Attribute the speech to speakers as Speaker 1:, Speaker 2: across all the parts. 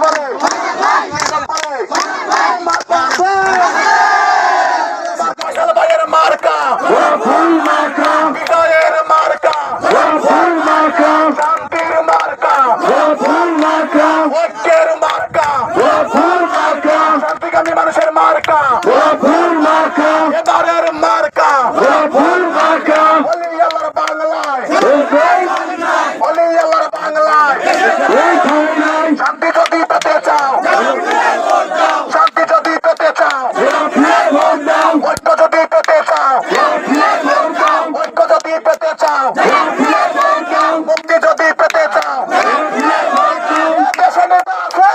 Speaker 1: শান্তিকামী মানুষের মার্কা এবারের মার্কা আল্লাহর বাংলায় আল্লাহর বাংলায় শান্তি যদি পেতে চাও শান্তি যদি পেতে চাও ঐক্য যদি পেতে চাও ঐক্য যদি পেতে চাও মুক্তি যদি পেতে চাও দেশে নেতা আছে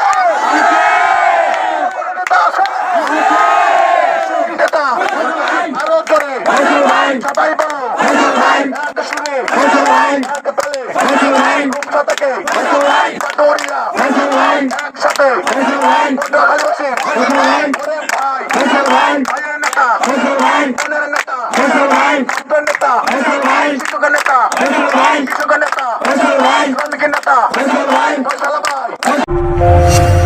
Speaker 1: নেতা আরো জোরে সবাই বলো এক সুরে এক তালে রূপসা থেকে পাটুরিয়া একসাথে ভালোবাসি ভাই ভাইয়ের নেতা বোনের নেতা ছাত্রের নেতা শিক্ষকের নেতা কৃষকের নেতা শ্রমিকের নেতা ফয়সালা ভাই